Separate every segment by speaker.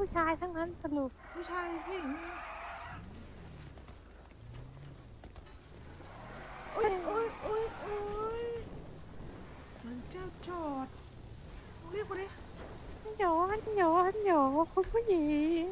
Speaker 1: ผู้ชายทั้งนั้นสรุป
Speaker 2: ผู้ชายผู้หญิงเนี่ยโอ้ยโอ้ยโอ้ยโอ้ยมันเจ้าจอดเรียกมาดิ
Speaker 1: ฮันโหยฮันโหยฮันโหยคุณผู้หญิง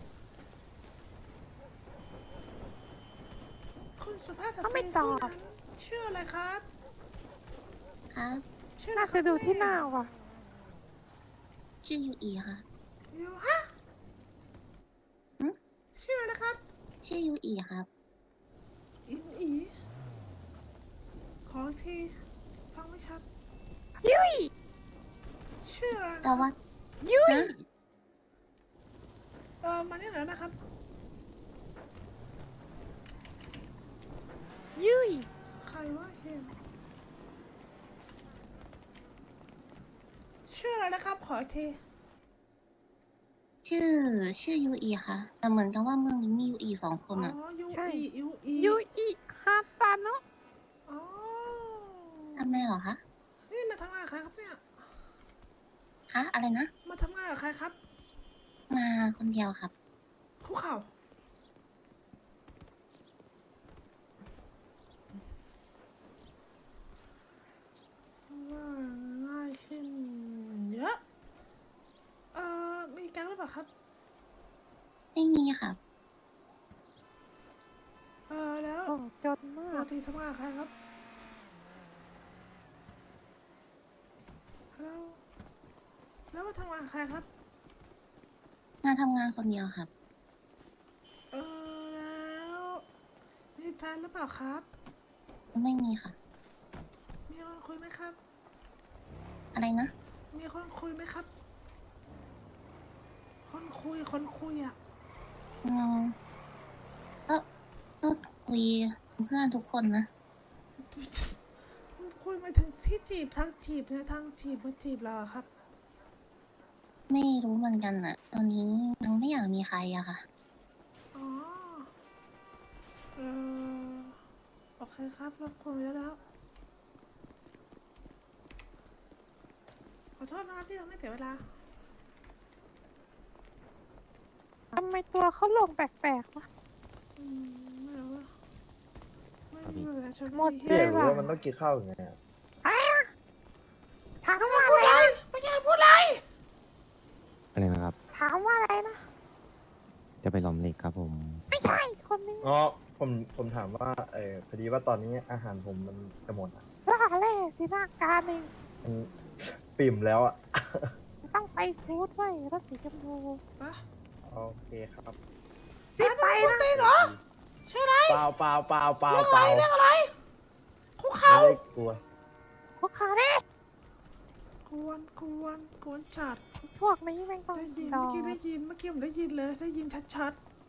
Speaker 2: คุณสุภาพสต
Speaker 1: เขา
Speaker 2: รี
Speaker 1: ไม่ตอบ
Speaker 2: ผู้นั้นชื่ออะไรครับ
Speaker 3: ค่ะ
Speaker 2: ชื่ออะไร
Speaker 1: น่า
Speaker 2: ครั
Speaker 1: จะ
Speaker 2: บ
Speaker 1: ดูที่ห
Speaker 2: แม่
Speaker 1: น้าว่ะ
Speaker 3: ชื่อยูอีค่ะ
Speaker 2: อยู่ฮะ
Speaker 3: หึ
Speaker 2: ชื่ออะไรครับ
Speaker 3: ชื่อยูอีครับ
Speaker 2: อินอีขออีกทีฟังไม่ชัด
Speaker 1: ยุย
Speaker 2: ชื่ออะไร
Speaker 3: แต่ว่า
Speaker 1: ยุย
Speaker 3: ฮะ
Speaker 2: มาเนี่ยหน่อยนะครับ
Speaker 1: ยุย
Speaker 2: ใครวะเห็นชื่ออะไรนะครับขออีกที
Speaker 3: ชื่อยูอีค่ะ แต่เหมือนกับว่าเมืองนี้มียูอี2 ค
Speaker 2: อ๋
Speaker 3: นอ่ะ
Speaker 2: อยูอียูอี
Speaker 1: ยุยฮาซาโนะ
Speaker 2: อ๋อ
Speaker 3: ทำไมเหรอคะ
Speaker 2: นี่มาทำงานกับใครครับเนี่ย
Speaker 3: คะอะไรนะ
Speaker 2: มาทำงานกับใครครับ
Speaker 3: มาคนเดียวครับ
Speaker 2: คุกเข่าว่าง่ายขึ้นเยอะมีแก๊งหรือเปล่าครับ
Speaker 3: ไม่มีค่ะ
Speaker 2: แล้ว
Speaker 1: โอ้จนมา
Speaker 2: ปก
Speaker 1: ก
Speaker 2: ติทำงานกับใครครับแล้วแล้วมาทำงานกับใครครับ
Speaker 3: มาทำงานคนเดียวครับ
Speaker 2: แล้วมีแฟนหรือเปล่าครับ
Speaker 3: ไม่มีค่ะ
Speaker 2: มีคนคุยไหมครับ
Speaker 3: อะไรนะ
Speaker 2: มีคนคุยไหมครับ คนคุยอ่ะ
Speaker 3: อืมก็คุยเพื่อนทุกคนนะ
Speaker 2: คุยมาถึงที่จีบทางจีบเนี่ยทางจีบมาจีบเราอะครับ
Speaker 3: ไม่รู้เหมือนกันอ่ะ ตอนนี้ยังไม่อยากมีใครอะค่ะ
Speaker 2: อ๋อโอเคครับรบกวนเยอะแล้ว ขอโทษนะที่ทำให้เสียเวลา
Speaker 1: ทำไมตัวเขาลงแปลกๆวะ
Speaker 2: ไม่รู้ว่าไม่มีเวลาชน
Speaker 1: หมด
Speaker 2: เฮี
Speaker 4: พี่
Speaker 2: ย
Speaker 4: อยากรู้ว่ามันต้องกินข้าวยังไงอะ
Speaker 1: อะไรอะถาม
Speaker 2: ไม่
Speaker 1: ว่า
Speaker 2: พูด
Speaker 1: อะไร
Speaker 2: เลยไม่ใช่พูดเลย
Speaker 5: อะไรนะครับ
Speaker 1: ถามว่าอะไรนะ
Speaker 5: จะไปหลอมเหล็กครับผม
Speaker 1: ไม่ใช่คนนี้
Speaker 4: อ๋อผมถามว่าพอดีว่าตอนนี้อาหารผมมันจะหมดอะ
Speaker 1: ว่าอะไรสิหน้าการเอง
Speaker 4: มันปิ่มแล้วอ่ะ
Speaker 1: ต้องไปฟูดไว้รถสีชมพู
Speaker 2: ปะ
Speaker 4: โอเคครับ
Speaker 1: รีบไป
Speaker 2: พูด
Speaker 1: นะ
Speaker 2: ตีนเหรอชื่ออะไร
Speaker 4: เปล่าเปล่าเปล่าเปล่า
Speaker 2: เรื่อง
Speaker 4: เป
Speaker 2: อะไร
Speaker 4: ล่า
Speaker 2: เรื่องอะไรคุก
Speaker 4: ไม่
Speaker 2: เข่า
Speaker 4: ได้กลัว
Speaker 1: พวกเขาเนี่ย
Speaker 2: กวนจัด
Speaker 1: พวกนี้แม่งต้อง
Speaker 2: ได้ยิน
Speaker 1: ดอ
Speaker 2: เมื่อกี้ได้ยินเมื่อกี้ผมได้ยินเลยได้ยินชัด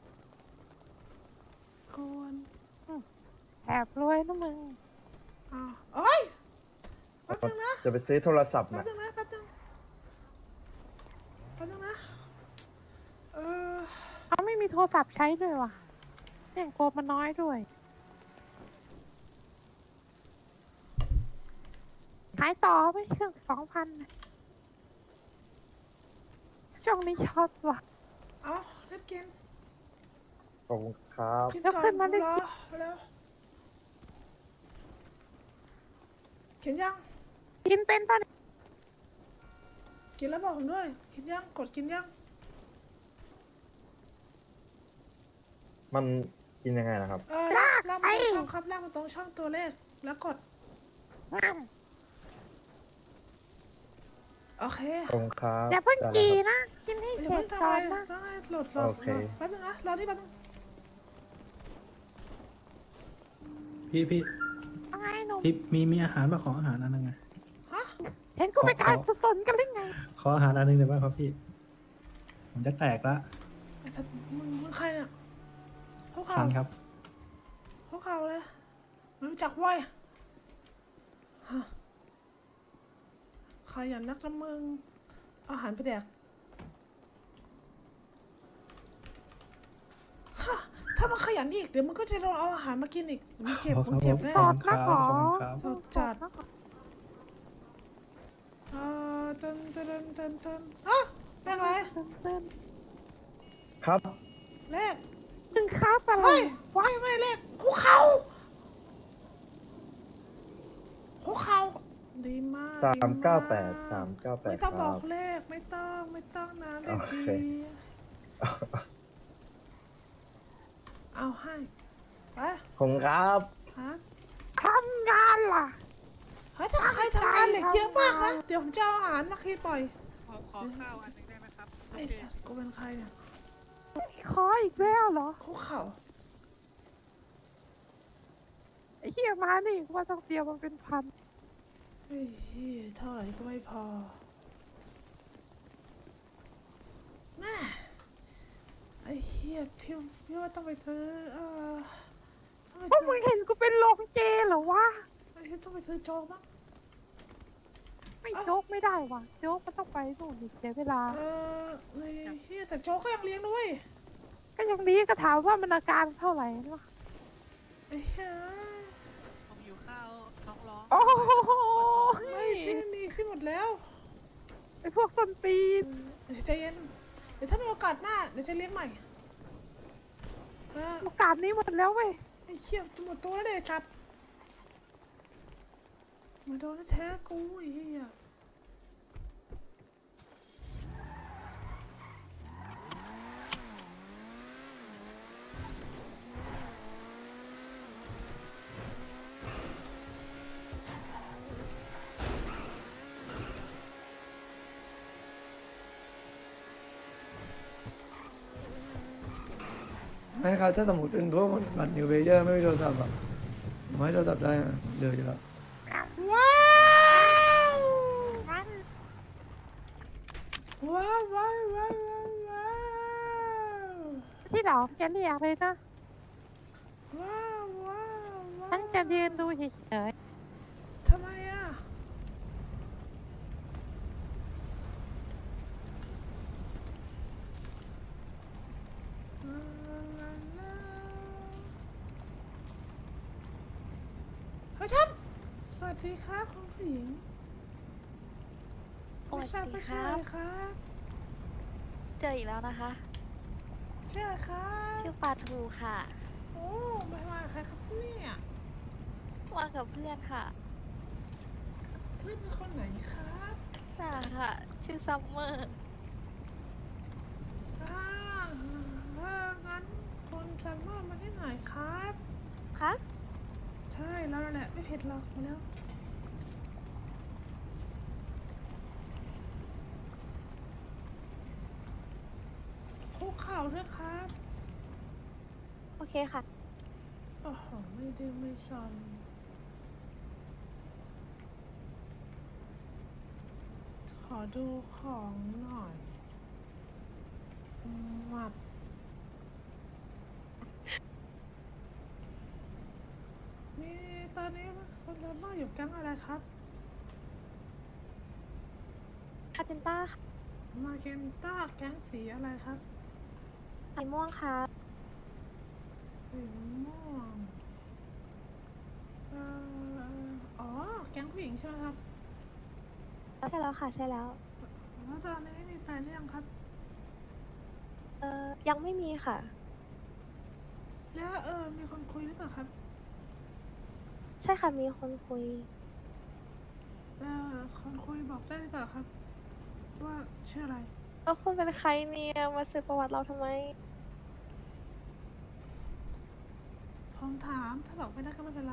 Speaker 2: ๆกวน
Speaker 1: แอบรวยนะมึง
Speaker 2: อ้าวเอ้ยแป๊บนึงนะ
Speaker 4: จะไปซื้อโทรศัพท์
Speaker 2: แป๊บ
Speaker 4: นะ
Speaker 2: นึงนะแป๊บนึงนะเออ
Speaker 1: เขาไม่มีโทรศัพท์ใช้ด้วยว่ะเนี่ยโกมันน้อยด้วยขายต่อไหมเครื่อง2,000ช่วงนี้ช็อตว่ะ
Speaker 2: เอาเรียบกิน
Speaker 4: ขอบคุณครับ
Speaker 2: กิน
Speaker 1: แล้ว
Speaker 2: ก่อน
Speaker 1: ขึ้นมาดิ
Speaker 2: รอแล้วเขียนยัง
Speaker 1: กินเป็นป่ะเนี่ย
Speaker 2: กินแล้วบอกผมด้วยกินยังกดกินยัง
Speaker 4: มันกินยังไงนะครับ
Speaker 2: ลากมาตรงช่องครับลากมาตรงช่องตัวเลขแล้วกด
Speaker 1: งั้น
Speaker 2: โอเค
Speaker 4: ขอบคุณครับ
Speaker 1: อย่าเพิ่ง
Speaker 4: ได้
Speaker 1: กี
Speaker 4: แล้วครับ
Speaker 1: นะ กินให้
Speaker 2: อย่า
Speaker 1: เสร็
Speaker 2: เพิ่
Speaker 1: จ
Speaker 2: งทำ
Speaker 1: ก่
Speaker 2: อะ
Speaker 1: อ
Speaker 2: ไร
Speaker 1: นนะ
Speaker 2: ต้องให้โหลด
Speaker 4: โอเค
Speaker 2: แป๊บนึงนะรอที่แป๊บนึง
Speaker 6: พี่
Speaker 1: เอาไงหนุ่ม
Speaker 6: มีอาหารมาขออาหารอันนึงไง
Speaker 2: ฮะ
Speaker 1: เห็นกูไปการกุศลกันหรือไง
Speaker 6: ขออาหารอันนึงได้ไหมครับพี่ ผมจะแตกละ
Speaker 2: ไอ้สัตว์มึงใครเนี่ยเขา
Speaker 6: คั
Speaker 2: เข่าน
Speaker 6: ครับ
Speaker 2: เขาเข่าเลยไม่รู้จักเว้ยฮะขยันนักนะมึงอาหารไปแดกฮะถ้ามันขยันอีกเดี๋ยวมึงก็จะโดนเอาอาหารมากินอีกมึงเจ็บ
Speaker 6: ขอบ
Speaker 2: มึงเจ็บแน่
Speaker 1: สอดนะขอ
Speaker 6: ขอบคุณครับ
Speaker 2: สดจัด ตันฮะเป็นไร
Speaker 1: เต้น
Speaker 4: ครับ
Speaker 2: เลข
Speaker 1: มึงครับอะไร
Speaker 2: เฮ้ยไม่เลขคุกเข่าคุกเข่าดีมาก
Speaker 4: 398
Speaker 2: ดีมาก
Speaker 4: 398
Speaker 2: ไม่ต้อง
Speaker 4: ค
Speaker 2: บ
Speaker 4: รั
Speaker 2: อบ กเลขไม่ต้องนะเลข
Speaker 4: โอ
Speaker 2: ดี
Speaker 4: เค
Speaker 2: เอาให้ไป
Speaker 4: ผมครับ
Speaker 2: ฮะ
Speaker 1: ทำงานล่ะ
Speaker 2: เฮ้ยถ้าใครทำงานเหล็กเยอะมากนะเดี๋ยวผมจะเอาอาหารมาคีปล่อย
Speaker 7: ขอข้าวอันหนึงได้ไหมครับ
Speaker 2: ไอ้สัตว์กูเป็นใครเนี่ย
Speaker 1: คออีกแล้วเหรอ
Speaker 2: คุกเข่า
Speaker 1: ไอ้เหี้ยมานี่ว่าต้องเตรียมมันเป็นพัน
Speaker 2: เฮ้ยเหี้ยเท่าไหร่ก็ไม่พอแม่ไอ้เหี้ยพี่ว่าต้องไปซื้อต้องไป
Speaker 1: พวก
Speaker 2: ซื้
Speaker 1: มึ
Speaker 2: อง
Speaker 1: เห็นกูเป็นโรงเจเหรอวะ
Speaker 2: ไอ้เหี้ยต้องไปซื้อโจ๊กมั้ง
Speaker 1: ไม่โจ๊กไม่ได้วะโจ๊กมันต้องไปนู่นอีกเสียเวลา
Speaker 2: ไอ้เหี้ยแต่โจ๊กก็ยังเลี้ยงด้วย
Speaker 1: ก็ยังนี้ก็ถามว่ามันอาการเท่าไหร่วะ
Speaker 2: ไอ้เหี้ย
Speaker 7: ผมหิวข้าวท้องร้อง
Speaker 1: โอ้โห
Speaker 2: ไม่พี่ไม่มีพี่หมดแล้ว
Speaker 1: ไอ้พวกส้นตีน
Speaker 2: เดี๋ยวใจเย็นเดี๋ยวถ้ามีโอกาสหน้าเดี๋ยวจะเลี้ยงใหม่แล้ว
Speaker 1: โอกาสนี้หมดแล้วเว้ย
Speaker 2: ไอ้เชี่ยจะหมดตัวเลยจัดมาโดนแท้กูไอ้เหี้ย
Speaker 8: ไม่ครับถ้าสมมติเป็นพวกบัตรนิวเวเยอร์ไม่มีโทรศัพท์อะผมให้โทรศัพท์ได้อะเดืออยู่แล้ว
Speaker 2: ว้าวว้าวว้าวว้าวว้าว
Speaker 1: ที่เราจะเรียกเลยนะ
Speaker 2: ว้าวว้าวว้าว
Speaker 1: ฉันจะยืนดูเฉย
Speaker 2: ทำไมอ่ะเฮ้ยทับสวัสดีครับคุณผู้หญิงไม่ทราบว่าชื่ออะไรครับ
Speaker 9: เจออีกแล้วนะคะ
Speaker 2: ชื่ออะไรครับ
Speaker 9: ชื่อปลาทูค่ะ
Speaker 2: โอ้มาใครครับเนี่ย
Speaker 9: มากับเพื่อนค่ะ
Speaker 2: เพื่อนเป็นคนไหนครับ
Speaker 9: น่าค่ะ ชื่อซัมเมอร์
Speaker 2: อ่างั้นคุณซัมเมอร์มาที่ไหนครับ
Speaker 9: คะ
Speaker 2: ใช่แล้วนั่นแหละไม่เผ็ดหรอกมาแล้วคุกเข่าด้วยครับ
Speaker 9: โอเคค่ะ
Speaker 2: โอ้โหไม่ดื้อไม่ซนขอดูของหน่อยหมัดนี่ตอนนี้คุณซัมเมอร์อยู่แก๊งอะไรครับ
Speaker 9: คาเทนต้าค่ะ
Speaker 2: มาเกนต้าแก๊งสีอะไรครับ
Speaker 9: สีม่วงค่ะ
Speaker 2: สีม่วงอ๋อ แก๊งผู้หญิงใช่ไหมครับ
Speaker 9: ใช่แล้วค่ะ ใช่แล้ว
Speaker 2: แล้วตอนนี้มีแฟนหรือยังครับ
Speaker 9: ยังไม่มีค่ะ
Speaker 2: แล้วมีคนคุยหรือเปล่าครับ
Speaker 9: ใช่ค่ะ มีคนคุย
Speaker 2: คนคุยบอกได้หรือเปล่าครับ ว่าชื่ออะไร
Speaker 9: แล้วคุณเป็นใครเนี่ย มาสืบประวัติเราทำไม
Speaker 2: ผมถามถ้าบอกไม่ได้ก็ไม่เป็นไร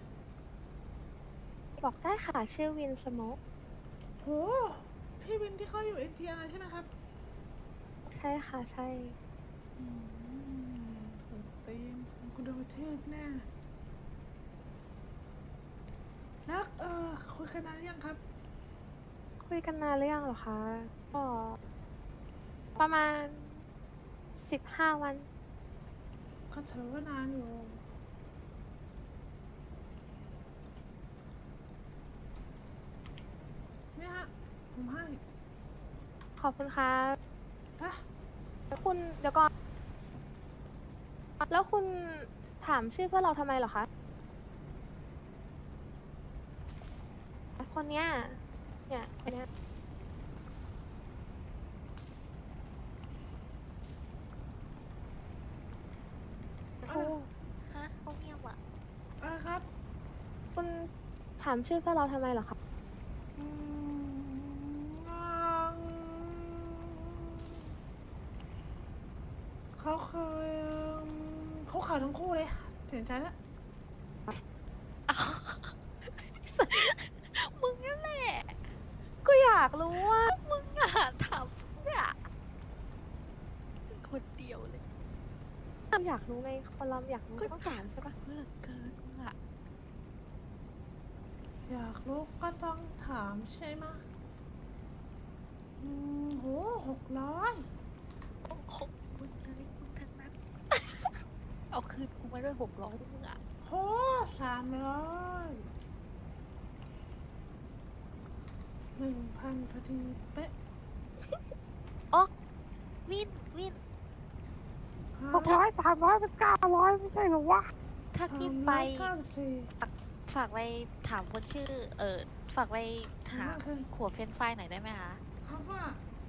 Speaker 9: บอกได้ค่ะ ชื่อวินสโมก
Speaker 2: โห พี่วินที่เขาอยู่ NTR ใช่ไหมครับ
Speaker 9: ใช่ค่ะ ใช่
Speaker 2: สุดตีนกูโดนกระทืบแน่ แล้วคุยกันนานหรือยังครับ
Speaker 9: คุยกันนานหรือยังเหรอคะ ก็ ประมาณ15 วัน
Speaker 2: ก็ถือว่านานอยู่ เนี่ยฮะ ผมให้
Speaker 9: ขอบคุณครับ
Speaker 2: ปะ
Speaker 9: แล้วคุณเดี๋ยวก่อน แล้วคุณถามชื่อเพื่อนเราทำไมเหรอคะ คนเนี้ย เนี่ยคนเนี้ย
Speaker 1: โอ้
Speaker 3: ฮะเขาเงียบอ่ะ
Speaker 2: อะไรครับ
Speaker 9: คุณถามชื่อเพื่อนเราทำไมเหรอคะ
Speaker 2: อืมเขาเคยเขาขาวทั้งคู่เลยเสียใจแล้ว
Speaker 3: มึงนั่นแหละ
Speaker 9: ก็อยากรู้ว่า
Speaker 3: มึงอ่ะถามเพื่อคนเดียวเลย
Speaker 9: อยากรู้ไงคนเราอยากรู้ก็ต้องถามใช่ปะ
Speaker 3: เพื่อเกินมึงอ่ะ
Speaker 2: อยากรู้ก็ต้องถามใช่ไหมโห600
Speaker 3: หกมึงเลยมึงทั้งนั้น เอาคืนกูมาด้วย600ด้วยมึงอ่ะ
Speaker 2: โห300 1,000พอดีเป๊ะ
Speaker 3: อ๋อวิน
Speaker 1: 600 300เป็น900ไม่ใช่เหรอวะ
Speaker 3: ถ้าพี่ไป
Speaker 2: 394
Speaker 3: ฝากไปถามคนชื่อ ฝากไปถาม
Speaker 2: คือ
Speaker 3: ขวดเฟรนช์ฟรายหน่อยได้ไหมคะ
Speaker 2: คำว่า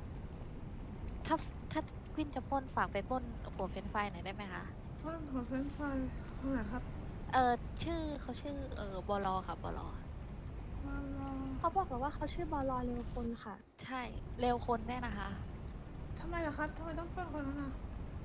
Speaker 3: ถ้าควินจะปล้นฝากไปปล้นขวดเฟรนช์ฟรายหน่อยได้ไหมคะ
Speaker 2: พ่อนของเฟรนช์ฟรายคนไหนครับ
Speaker 3: เขาชื่อ บลค่ะบล
Speaker 2: มารอ
Speaker 9: เขาบอกเราว่าเขาชื่อบอลเร็วคนค่ะ
Speaker 3: ใช่ เร็วคนแน่นะคะ
Speaker 2: ทำไมล่ะครับทำไมต้องเป็นคนนั้นน่ะ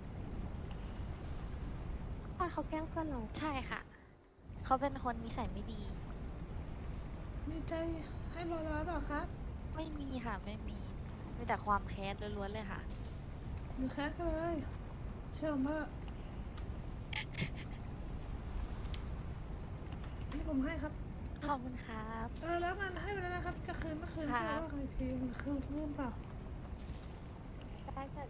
Speaker 9: ตอนเขาแกล้งเพื่อนเรา
Speaker 3: ใช่ค่ะ เขาเป็นคนนิสัยไม่ดี
Speaker 2: มีใจให้บอลร้อยเปล่าครับ
Speaker 3: ไม่มีค่ะ ไม่มี มีแต่ความแค้นล้วนๆเลยค่ะ
Speaker 2: มีแคสกันเลย เชื่อผมว่านี่ผมให้ครับ
Speaker 3: ขอบคุณครับ
Speaker 2: แล้วงานให้ไปแล้วนะครับ จะคืนเมื่อคืน
Speaker 3: ครั
Speaker 2: ก็
Speaker 3: บ
Speaker 2: ว่ากันอีกทีคืนเงินเปล่า
Speaker 9: ได้เสร็จ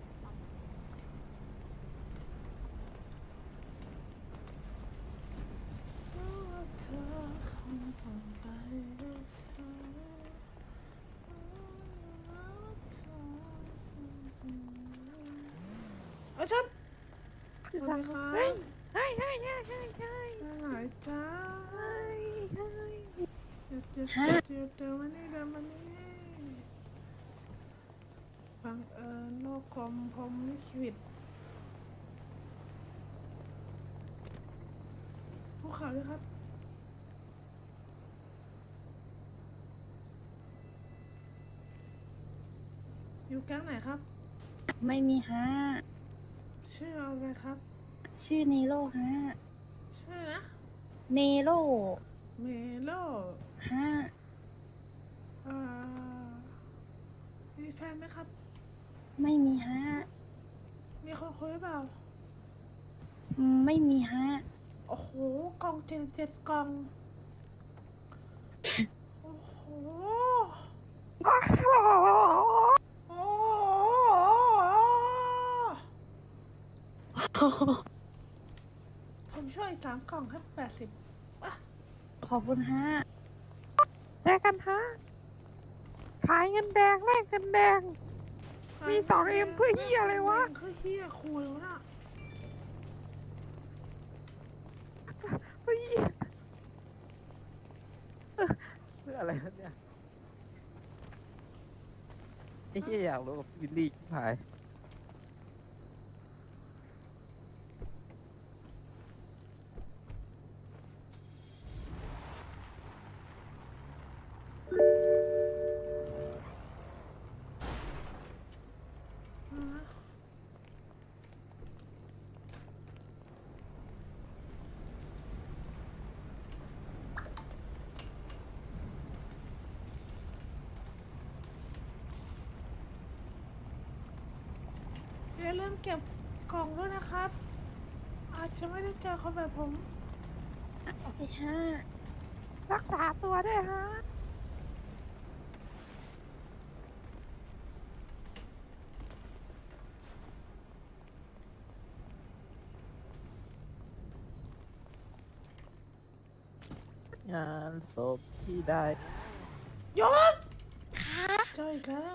Speaker 2: เธอคงต้องไปกับเขาเอาชนสวัสดีครับ
Speaker 1: เฮ้ย
Speaker 2: ไปไหนจ้าเดี๋ยววันนี้บังเอิญโลกกลมพรหมลิขิตภูเขาเลยครับ อยู่แก๊งไหนครับ
Speaker 10: ไม่มีฮะ
Speaker 2: ชื่ออะไรครับ
Speaker 10: ชื่อเนโรฮะ
Speaker 2: ชื่อนะ
Speaker 10: เนโร
Speaker 2: เมโล
Speaker 10: ฮะ
Speaker 2: มีแฟนไหมครับ
Speaker 10: ไม่มีฮะ
Speaker 2: มีคนคุยหรือเปล่า
Speaker 10: ไม่มีฮะ
Speaker 2: โอ้โห กล่อง7กล่อง โอ้โห โอ้ผมช่วย3 กล่องให้80อ่ะ
Speaker 10: ขอบคุณฮะ
Speaker 1: แจกกันฮะ ขายเงินแดงแลกเงินแดง มี2M เพื่อเหี้ยอะไรวะ
Speaker 2: คือเฮียคุยวะน่ะ
Speaker 1: เฮ้ย
Speaker 4: เพื่ออะไรครับเนี่ยไอ้เหี้ยอยากรู้กับวิลลี่ชิบหาย
Speaker 2: อย่าลืมเก็บกล่องด้วยนะครับ อาจจะไม่ได้เจอคนแบบผม
Speaker 10: โอเคฮะ
Speaker 1: รักษาตัวด้วยฮะ
Speaker 4: งานศพที่ได้
Speaker 2: ยศ
Speaker 3: ค่ะ
Speaker 2: เจออีกแล้ว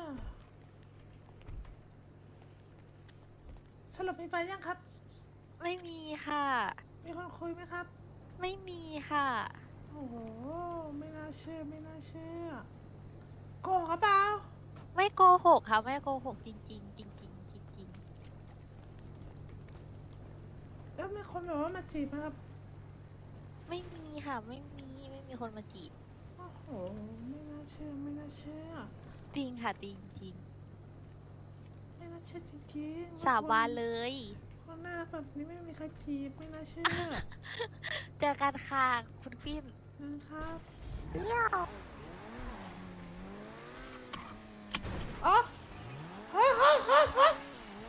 Speaker 2: สรุปมีแฟนยังครับ
Speaker 3: ไม่มีค่ะ
Speaker 2: มีคนคุยไหมครับ
Speaker 3: ไม่มีค่ะ
Speaker 2: โอ้โห ไม่น่าเชื่อ ไม่น่าเชื่อ โกหกหรือเปล่า
Speaker 3: ไม่โกหกค่ะ ไม่โกหกจริงๆจริงๆจริง
Speaker 2: แล้วมีคนแบบว่ามาจีบไหมครับ
Speaker 3: ไม่มีค่ะ ไม่มีคนมาจีบ
Speaker 2: โอ้โหไม่น่าเชื่อไม่น่าเชื่อ
Speaker 3: จริงค่ะจริงจริง
Speaker 2: ไม่น่าเชื่อจริงๆ
Speaker 3: สาบานเลย
Speaker 2: คนน่ารักแบบนี้ไม่มีใครจีบไม่น่าเชื่อ
Speaker 3: เจอกันค่ะคุณฟิน
Speaker 2: นะครับ
Speaker 1: เดี๋ยว
Speaker 2: อ๋อ